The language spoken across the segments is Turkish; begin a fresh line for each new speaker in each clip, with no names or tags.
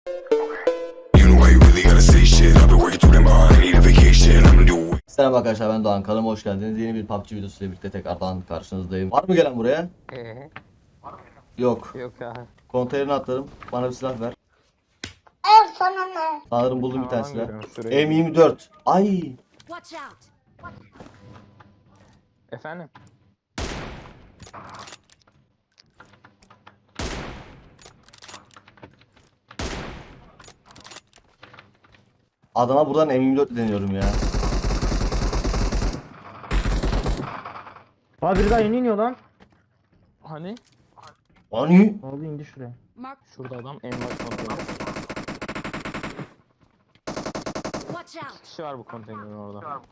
Selam arkadaşlar, ben Doğan, kanalıma hoş geldiniz. Yeni bir PUBG videosuyla birlikte tekrardan karşınızdayım. Var mı gelen buraya? Yok.
Yok ya.
Konteynerine atladım. Bana bir silah ver.
Al sana ne?
Sanırım buldum bir tane
Adam
silah.
görüyorum şuraya.
M24. Ay.
Watch out!
Efendim?
Adama buradan M24 deniyorum ya.
Abi biri daha yeni iniyor lan.
Hani?
Ani.
Abi indi şuraya.
Mark.
Şurada adam en baş konteyner.
Watch out!
Kişi var bu konteynerin orada.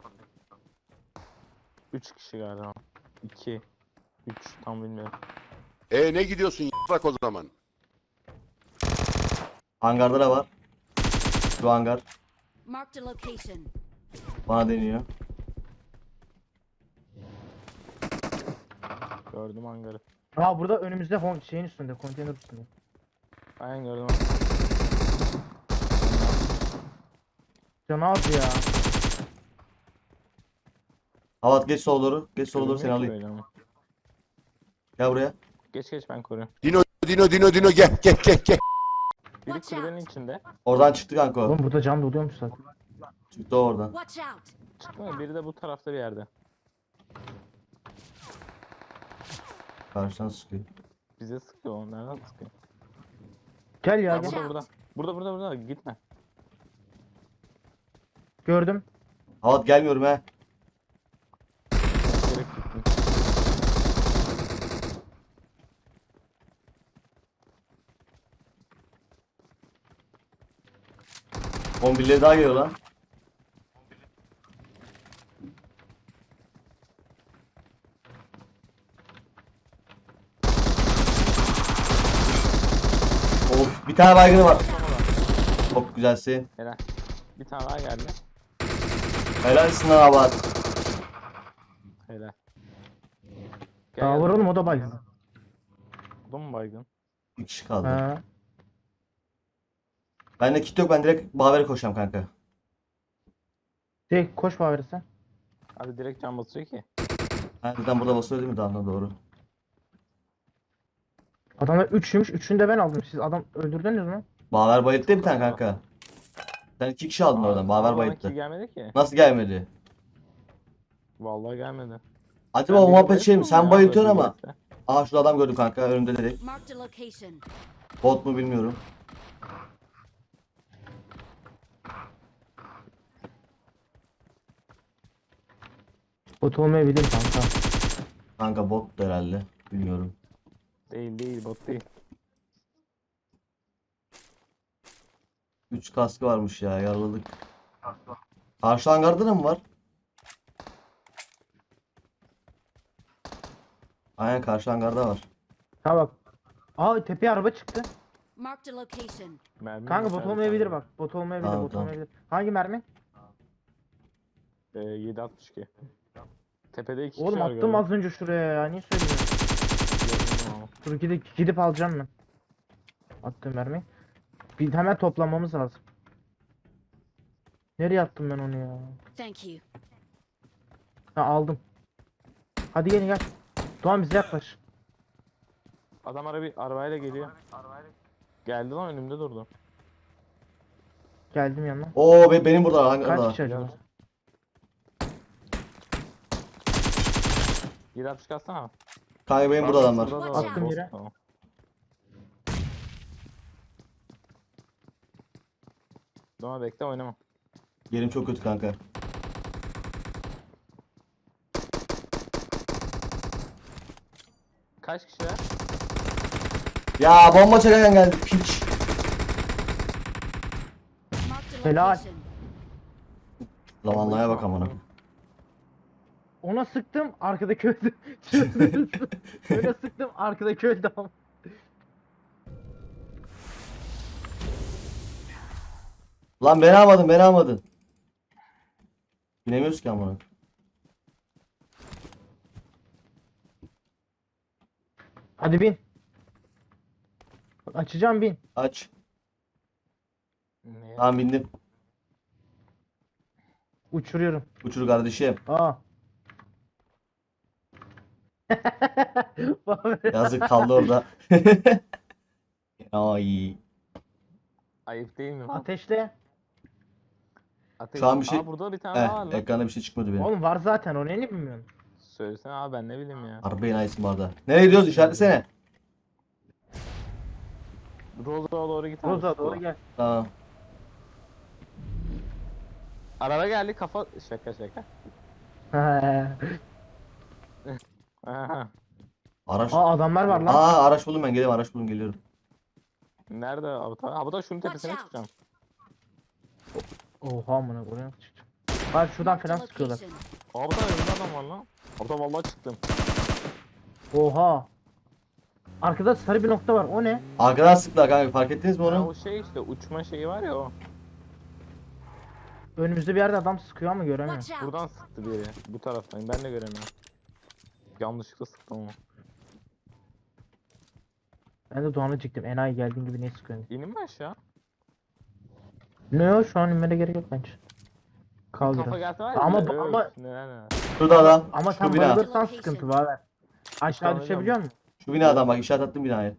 3 kişi galiba. 2 3 tam bilmiyorum.
Ne gidiyorsun bak o zaman.
Hangarda da var. Şu hangar.
Marked a location.
Bana deniyor.
Gördüm hangarı.
Aa burada önümüzde şeyin üstünde, konteyner üstünde.
Aynen gördüm.
Canı az ya.
Havat geç sola doğru. Geç sola doğru, seni
Görünmüyor ki
alayım.
böyle ama.
Gel buraya.
Geç ben koruyorum.
Dino gel.
Biri
Watch
kulübenin
out.
içinde.
Oradan çıktı kanka o.
Oğlum burada can doluyormuş zaten.
Çıktı o oradan.
Watch out!
Çıkmıyor. Biri de bu tarafta bir yerde.
Karşıdan sıkıyor.
Bize sıkıyor o. Nereden sıkıyor?
Gel ya
Watch
gel.
out.
Burada. Gitme.
Gördüm.
Havat gelmiyorum he.
Direkt gittim.
Kombileri daha geliyor lan. Of, bir tane baygını var. Çok güzelsin.
Helal. Bir tane daha geldi.
Helalsin lan Havat.
Helal.
Aa var oğlum, o da baygın.
O da mı baygın?
Bir kişi kaldı.
Ha.
Bende kit yok, ben direkt Baver'e koşacağım kanka.
Koş bari sen.
Abi direkt can basıyor ki.
Ha, zaten burada basıyor değil mi? Daha doğru.
Adamlar 3'müş. 3'ünü de ben aldım. Siz adam öldürdünüz mü?
Baver bayılttı bir tane kanka. Sen 2 kişi aldın oradan. Baver
Ama bana
bayılttı.
kill gelmedi ki.
Nasıl gelmedi?
Vallahi gelmedi.
Acaba o
Sen
muhabbet
biri
şey mi?
bayılttın
Sen
ya,
bayıltıyorsun
böyle
ama.
birisi.
Aa, şurada adam gördüm kanka. Önümde direkt.
Marked a location.
Bot mu bilmiyorum.
Bot olmayabilir kanka.
Kanka bot da herhalde. Bilmiyorum.
Değil bot değil.
3 kaskı varmış ya. Yaraladık. Karşı hangarda da mı var? Aynen, karşı hangarda var.
Ha bak. Aa tepeye araba çıktı.
Marked a location.
Mermi
Kanka
yok
bot
abi,
olmayabilir
tamam.
bak. Bot olmayabilir,
Tamam,
bot
tamam.
olmayabilir. Hangi mermi?
7.62. Tepede 2 kişi
Oğlum
var
attım
galiba.
az önce şuraya ya. Niye söylüyorsun?
Gördüm ama.
Dur gidip alacağım ben. Attığım mermi. Bir hemen toplamamız lazım. Nereye attım ben onu ya?
Thank you.
Ha aldım. Hadi gelin gel. Doğan bize yaklaş.
Adam arabayla geliyor. Geldi lan önümde durdu.
Geldim yanına.
Oo, benim burada hangarda
Kaç
var.
kişi acaba?
7.62 atsana.
Kanka benim burada adam var.
Şurada da
Attım
var, boss.
yere.
Tamam. Doma bekle oynama.
Yerim çok kötü kanka.
Kaç kişiler?
Ya bomba çeken geldi piç.
Marked a
Helal.
location.
Zamanlaya bak amına.
Ona sıktım arkadaki öldü. Öyle sıktım arkadaki öldü ama.
Lan beni almadın. Binemiyoruz ki amına.
Hadi bin. Bak, açacağım bin.
Aç.
Ne ya?
Tamam bindim.
Uçuruyorum.
Uçur kardeşim.
Aa. Baver.
Yazık kaldı orada. Ay.
Ayıp değil mi lan?
Ateşle.
Ateş.
Şu an bir şey-
Aa, burada bir tane daha var lan.
Ekranda bir şey çıkmadı benim.
Oğlum var zaten, o ne bilmiyorsun?
Söylesene abi, ben ne bileyim ya.
Harbi enayisin bu arada. Nereye gidiyoruz işaretlesene.
Roza'ya doğru git abi.
Roza doğru gel.
Tamam.
Araba geldi, kafa şaka. Aha.
Araç.
Aa, adamlar var lan.
Aa araç buldum ben geliyorum araç buldum geliyorum.
Nerede Abuta? Abuta şunun
Watch
tepesine
out.
çıkacağım.
Oha amına oraya nasıl çıkacağım? Bak şuradan
Marked a
falan sıkıyorlar.
location.
Abuta önümde adam var lan. Abuta vallahi çıktım.
Oha. Arkada sarı bir nokta var. O ne?
Arkadan sıktılar kanka fark ettiniz mi
Ha,
onu?
o şey işte, uçma şeyi var ya o.
Önümüzde bir yerde adam sıkıyor ama göremiyorum.
Watch out.
Buradan sıktı biri. Bu taraftan. Ben de göremiyorum. Yanlışlıkla sıktım ama.
Ben de Doğan'ı çektim. Enayi geldiğin gibi ne sıkıyorsun?
İnin mi aşağı?
Ne o, şu an inmene gerek yok bence. Kal
Kafa
biraz.
gelse var ya.
Ama-
bir de,
ama-
öf, neler.
Şurada adam.
Ama
Şu
sen
bina.
bayılırsan sıkıntı var. Aşağı
Tamam,
düşebiliyor musun?
Şu binadan bak işaret attım binaya.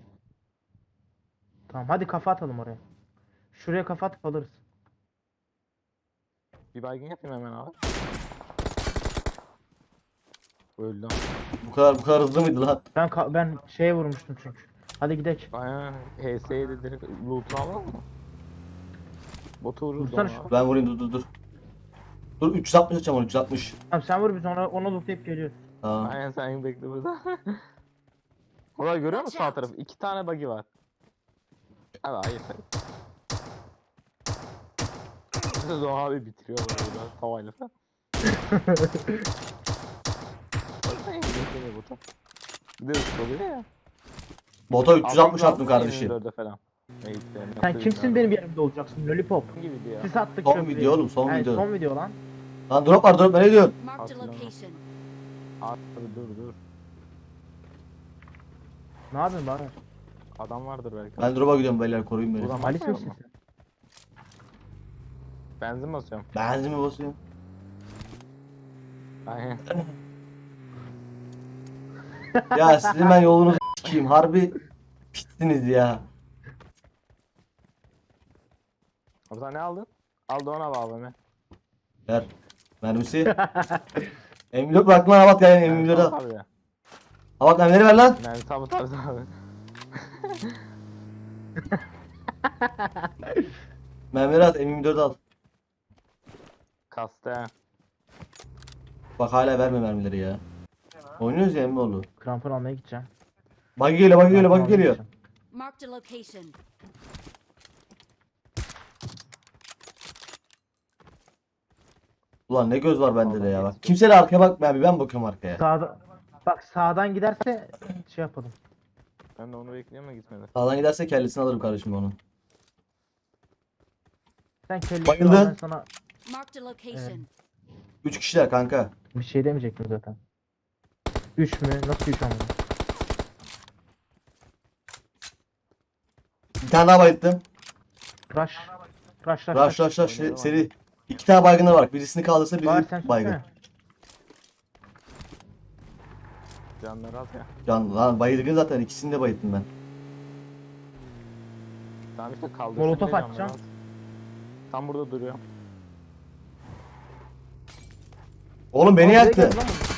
Tamam hadi kafa atalım oraya. Şuraya kafa atıp alırız.
Bir baygın yapayım hemen abi. Öldü.
Bu kadar hızlı mıydı lan?
Ben şeye vurmuştum çünkü. Hadi gidelim.
Aynen. HS'ye de direkt loot'unu alalım mı? Botu vururuz
Vursana
ona.
şu-
Ben vurayım dur. Dur 360 açacağım onu 360.
Tamam sen vur, biz onu lootlayıp geliyoruz.
Tamam.
Aynen, sen bekle burada. Orada görüyor musun
Watch
sağ
out.
tarafı? 2 tane buggy var. Abi hayır. Siz o abi bitiriyor burada tavayla falan. Baksana ya, bekleniyor botu. Bir de ıskalıyor ya.
Bota 360
Adam
attım kardeşim.
24'e falan. Neyse,
Sen
nasıl
kimsin
bilmiyorum.
benim yerimde olacaksın lollipop.
Gibiydi ya.
Sis attık
Son
köprüye.
video oğlum son
Yani
video.
son video lan.
Lan drop var drop nereye diyorsun?
Marked a
Hatırlamam.
location.
Abi dur.
Ne yapıyorsun bari?
Adam vardır belki.
Ben drop'a gidiyorum beyler koruyun beni.
Buradan
Halis
bakmıyor
misin
musun?
sen?
Benzin basıyorum.
Benzin mi basıyorum?
Aynen.
Ya sizin ben yolunuzu s**eyim harbi pitsiniz ya.
Abi sen ne aldın? Aldı ona bağlı mı?
Ver. Mermisi. M24 bırak lan Havat gel M24 al.
Abi ya.
Havat mermileri ver lan.
Yani tabi abi.
Mermileri at M24 al.
Kastı ha.
Bak hala verme mermileri ya. Oynuyoruz ya Emmoğlu.
Krampon almaya gideceğim.
Buggy geliyor buggy geliyor
Krampon
buggy
almaya
geliyor.
gideceğim.
Marked a location.
Ulan ne göz var bende de ya bak. Kimse de arkaya bakmıyor abi ben bakıyorum arkaya.
Bak sağdan giderse şey yapalım.
Ben de onu bekliyorum da gitmedi.
Sağdan giderse kellesini alırım kardeşim onun.
Sen kelli
Bayıldı.
al, ben sana
Marked a location.
3 kişiler kanka.
bir şey demeyecektim zaten. 3 mü? Nasıl 3 ama?
Bir tane daha bayılttım.
Rush. Rush.
Rush seri. 2 tane baygınlar var. Birisini kaldırsa
Var sen
biri baygın.
sürsene.
Canları az ya.
Can lan baygın zaten ikisini de bayılttım ben.
Tamam işte kaldırsın.
Molotof
diye canları
atacağım.
az. Tam burada duruyor.
Oğlum beni
Aa, buraya
yaktı.
geldi lan bu.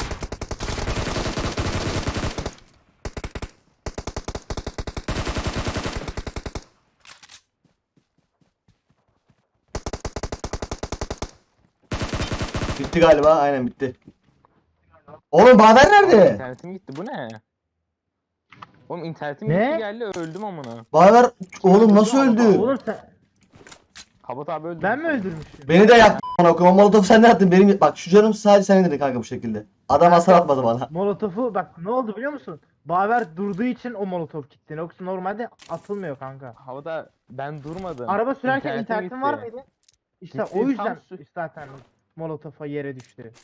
Bitti galiba aynen bitti. Oğlum Bader nerede?
İnternetim gitti, bu ne? Oğlum internetim
Ne?
gitti geldi, öldüm amına.
Bader oğlum nasıl öldü?
Oğlum sen,
Habat abi öldü.
ben mi öldürmüşüm?
Beni de yaktı bana koyma. Molotofu sen ne attın? Benim bak şu canım sadece sen indirdin kanka bu şekilde. Adam hasar atmadı bana.
Molotofu bak ne oldu biliyor musun? Baver durduğu için o molotof gitti. Yoksa normalde atılmıyor kanka.
Havada ben durmadım.
Araba sürerken
İnternetim
internetin var
gitti.
mıydı? İşte
Gitti,
o yüzden
tam
zaten molotofa yere düştü.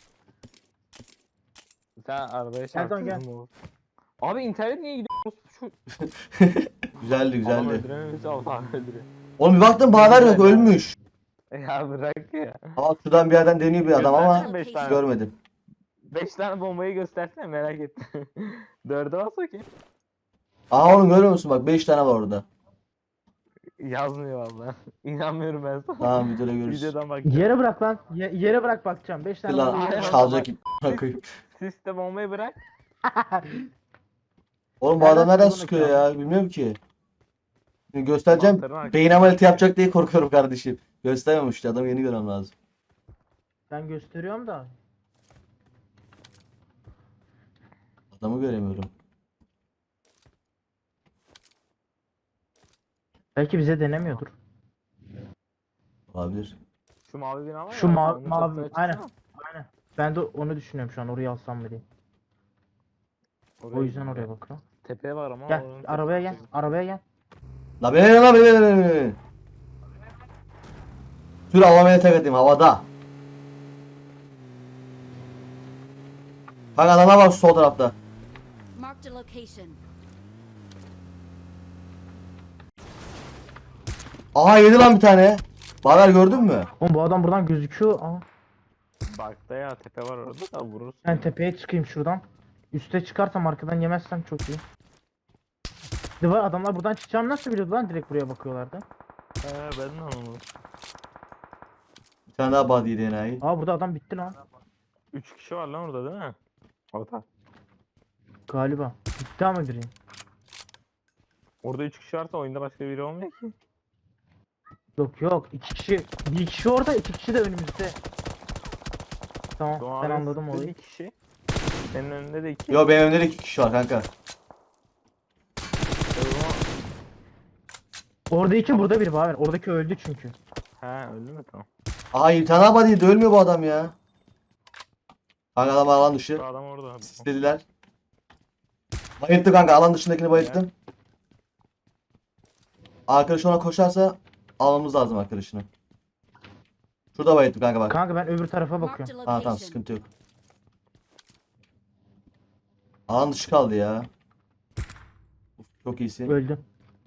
Sen arabaya
Erdoğan gel.
çarptın mı? Abi internet niye gidiyor? Şu
Güzeldi
adam
güzeldi.
öldürememiş, Allah öldürüyor.
Oğlum bir baktım Baver yok, ölmüş.
Ya bırak ya.
Ama şuradan bir yerden deniyor bir adam ama
Göstersene 5 tane.
görmedim.
5 tane bombayı göstersene, merak ettim. 4'e bas bakayım.
Aha oğlum görüyor musun, bak 5 tane var orada.
Yazmıyor valla. İnanmıyorum ben sana.
Tamam videoda görürüz.
Videodan bak.
Yere bırak lan. Yere bırak bakacağım. 5 tane
Lan
var.
çalacak ip koyayım.
Siste bombayı bırak.
Oğlum bu
Nereden
adam nereden
sıkıyor
sıkıyor
bunu
ya, bilmiyorum ki. Şimdi göstereceğim,
Mantarın arkasında.
beyin ameliyatı yapacak diye korkuyorum kardeşim. Göstermemiş işte, adamı yeni görmem lazım.
Ben gösteriyorum da.
Adamı göremiyorum.
Belki bize denemiyordur.
Olabilir.
Şu mavi bina var
Şu
ya,
mavi-
onun
mavi-
çatısına
aynen.
çıksana.
Aynen. Ben de onu düşünüyorum şu an, oraya alsam mı diye. O yüzden
git.
oraya bakıyorum.
Tepe var ama.
Gel
oranın
arabaya gel.
tepesi.
Arabaya gel.
La beni. Sür havamaya tek atayım havada. Bak adamlar var şu sol tarafta.
Marked a location.
Aha yedi lan bir tane. Baver gördün mü?
Oğlum bu adam buradan gözüküyor. Aa,
Bak da ya, tepe var orada da vurursun.
ben tepeye çıkayım şuradan. Üste çıkarsam arkadan yemezsem çok iyi. De var, adamlar buradan çıkacağımı nasıl biliyordu lan, direkt buraya bakıyorlardı.
Ben de anlamadım.
Bir tane daha body yedi enayi.
Aa burada adam bitti lan.
3 kişi var lan orada değil mi? Orada.
Galiba. Bitti ama biri.
Orada 3 kişi varsa oyunda başka biri olmuyor ki.
Yok yok, 2 kişi. Bir kişi orada, 2 kişi de önümüzde. Tamam
Doğan
ben
abi
anladım
sıktı
olayı.
bir kişi. Senin önünde de 2.
Yo benim önümde de 2 kişi var kanka.
Orada 2, burada 1 var. Oradaki öldü çünkü.
He öldü mü, tamam.
Aha bir tane daha body yedi, ölmüyor bu adam ya. Kanka adam alan dışı.
Şu adam orada.
İstediler. Bayılttı kanka, alan dışındakini bayılttım. Arkadaş ona koşarsa almamız lazım arkadaşını. Şurada bayılttım kanka bak.
Kanka ben öbür tarafa
Marked
bakıyorum.
a
Tamam
location.
sıkıntı yok. Alan dışı kaldı ya. Uf, çok iyisin.
Öldü.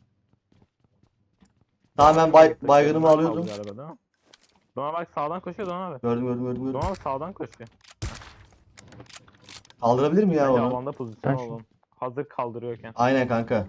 Tamam ben baygınımı alıyordum.
Doğan bak sağdan koşuyor Doğan abi.
Gördüm.
Doğan abi sağdan koşuyor.
Kaldırabilir mi ya
Bence
onu?
alanda pozisyon
Ben şu-
olalım. Hazır kaldırıyorken.
Aynen kanka.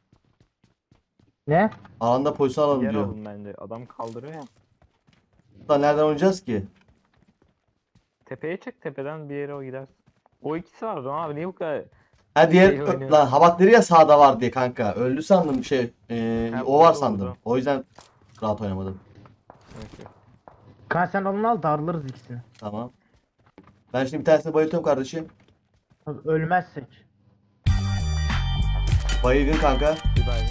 Ne?
Alanda pozisyon alalım
Yer
diyor.
alın bence. Adam kaldırıyor ya.
Lan nereden oynayacağız ki?
Tepeye çık, tepeden bir yere o gider. O ikisi var Doğan abi, niye bu kadar?
Ha diğer
İyi oynuyor.
lan Habak dedi ya sağda var diye kanka. Öldü sandım
Ha,
o var
vurdu,
sandım.
vurdu.
O yüzden rahat oynamadım.
Neyse.
Kanka sen onu al, darlarız ikisini.
Tamam. Ben şimdi bir tanesini bayıltıyorum kardeşim.
Tabii ölmezsek.
Baygın kanka.
Bir baygın.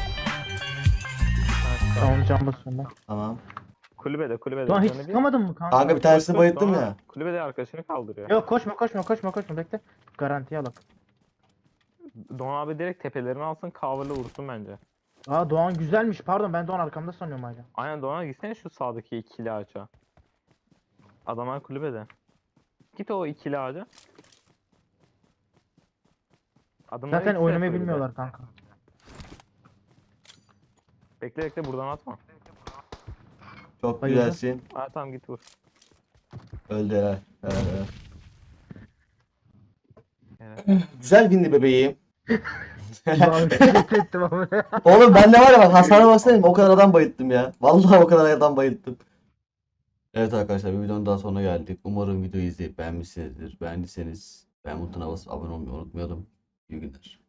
Tamam can basıyorum ben.
Tamam.
Kulübede.
Lan hiç
Canı bir.
sıkamadın mı kanka?
Kanka bir tanesini
Koş,
bayılttım
Doğan
ya.
abi. Kulübede arkadaşını kaldırıyor.
Yok koşma bekle. Garantiye alak.
Doğan abi direkt tepelerini alsın, cover'la vursun bence.
Aa Doğan güzelmiş, pardon ben Doğan arkamda sanıyorum hala.
Aynen Doğan abi, gitsene şu sağdaki ikili ağaca. Adamlar kulübede. Git o ikili ağaca. Adamlar
Zaten
ikisi de
oynamayı
kulübede.
bilmiyorlar kanka.
Bekle buradan atma.
Çok
Bayıldı.
güzelsin.
Ha tamam, git vur.
Öldü helal. Helal.
Evet.
Güzel bindi bebeğim.
Doğan ettim ama.
Oğlum ben de var ya bak hasara baksana, o kadar adam bayılttım ya. Vallahi o kadar adam bayılttım. Evet arkadaşlar, bir videonun daha sonuna geldik. Umarım videoyu izleyip beğenmişsinizdir. Beğendiyseniz beğen butonuna basıp abone olmayı unutmayalım. İyi günler.